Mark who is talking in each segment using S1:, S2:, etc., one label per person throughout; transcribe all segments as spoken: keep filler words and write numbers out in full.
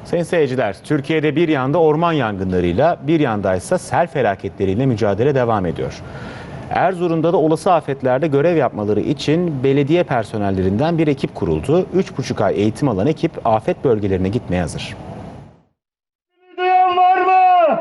S1: Sayın seyirciler, Türkiye'de bir yanda orman yangınlarıyla, bir yanda ise sel felaketleriyle mücadele devam ediyor. Erzurum'da da olası afetlerde görev yapmaları için belediye personellerinden bir ekip kuruldu. üç buçuk ay eğitim alan ekip afet bölgelerine gitmeye hazır.
S2: Duyan var mı?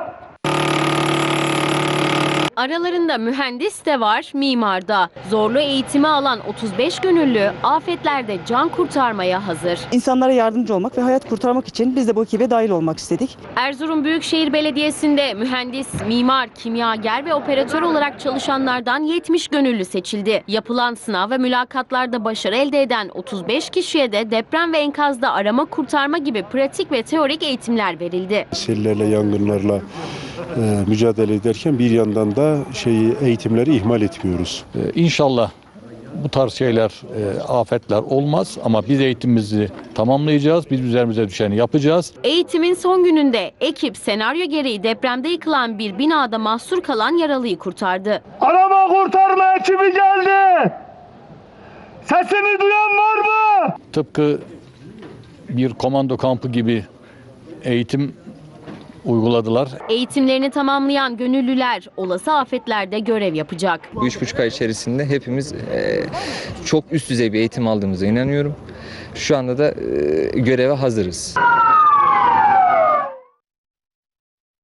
S3: Aralarında mühendis de var, mimar da. Zorlu eğitimi alan otuz beş gönüllü afetlerde can kurtarmaya hazır.
S4: İnsanlara yardımcı olmak ve hayat kurtarmak için biz de bu ekibe dahil olmak istedik.
S3: Erzurum Büyükşehir Belediyesi'nde mühendis, mimar, kimyager ve operatör olarak çalışanlardan yetmiş gönüllü seçildi. Yapılan sınav ve mülakatlarda başarı elde eden otuz beş kişiye de deprem ve enkazda arama kurtarma gibi pratik ve teorik eğitimler verildi.
S5: Sellerle, yangınlarla e, mücadele ederken bir yandan da şeyi eğitimleri ihmal etmiyoruz.
S6: Ee, İnşallah bu tarz şeyler, e, afetler olmaz ama biz eğitimimizi tamamlayacağız. Biz üzerimize düşeni yapacağız.
S3: Eğitimin son gününde ekip senaryo gereği depremde yıkılan bir binada mahsur kalan yaralıyı kurtardı.
S2: Arama kurtarma ekibi geldi. Sesini duyan var mı?
S6: Tıpkı bir komando kampı gibi eğitim uyguladılar.
S3: Eğitimlerini tamamlayan gönüllüler olası afetlerde görev yapacak.
S7: Bu üç buçuk ay içerisinde hepimiz e, çok üst düzey bir eğitim aldığımıza inanıyorum. Şu anda da e, göreve hazırız.